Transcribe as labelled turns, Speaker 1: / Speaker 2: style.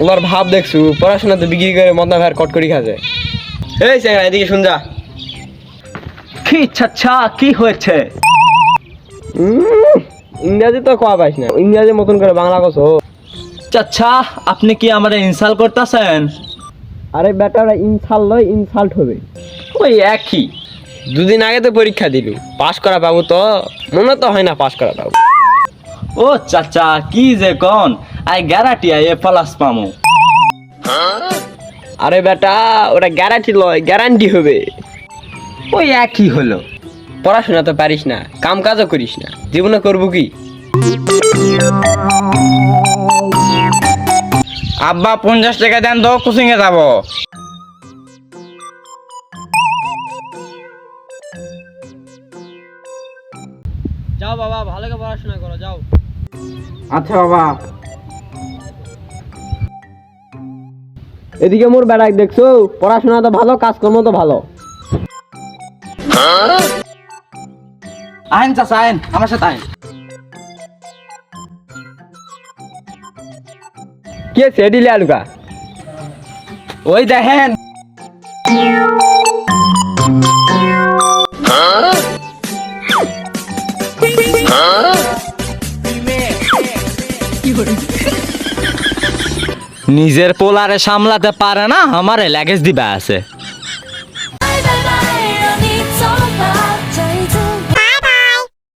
Speaker 1: ওনার ভাব দেখছু, পড়াশোনা তো বিক্রি করে মদনা ভাইয়ের কটকরি খাচ্ছে। এই চ্যাংড়া এদিকে শুন যা।
Speaker 2: কি চাচা কি হয়েছে?
Speaker 1: ইংরাজি তো কোয়া পাইস না, ইংরাজি মতন করে বাংলা কছো।
Speaker 2: চাচা আপনি কি আমারে ইনসাল্ট করতেছেন?
Speaker 1: আরে বেটা ওরা ইনসাল্ট লয়, ইনসাল্ট হবে।
Speaker 2: ওই একই।
Speaker 1: দুদিন আগে তো পরীক্ষা দিলু, পাস করা পাবো তো? মনে তো হয় না পাস করা পাবো।
Speaker 2: ও চাচা কি যে কোন, I guarantee I A plus পামু।
Speaker 1: আরে বেটা ওটা গ্যারান্টি লয়, গ্যারান্টি হবে।
Speaker 2: ওই একই হলো।
Speaker 1: পড়াশোনা তো পারিস না, কাম কাজও করিস না, জীবনে করবো কি?
Speaker 3: আব্বা 50 টাকা দেন তো, কোচিং এ যাবো।
Speaker 1: যাও বাবা, ভালো করে পড়াশোনা করো, যাও।
Speaker 3: আচ্ছা বাবা।
Speaker 1: এদিকে মোর বেড়াক দেখছো, পড়াশোনা তো ভালো, কাজকর্ম তো ভালো।
Speaker 3: আইন চাচা আইন, আমার সাথে আইন।
Speaker 1: কে সেডিলে আলুকা?
Speaker 3: ওই দেখেন
Speaker 2: নিজের পোলারে সামলাতে পারে না, আমারে ল্যাগেজ দিবা আছে।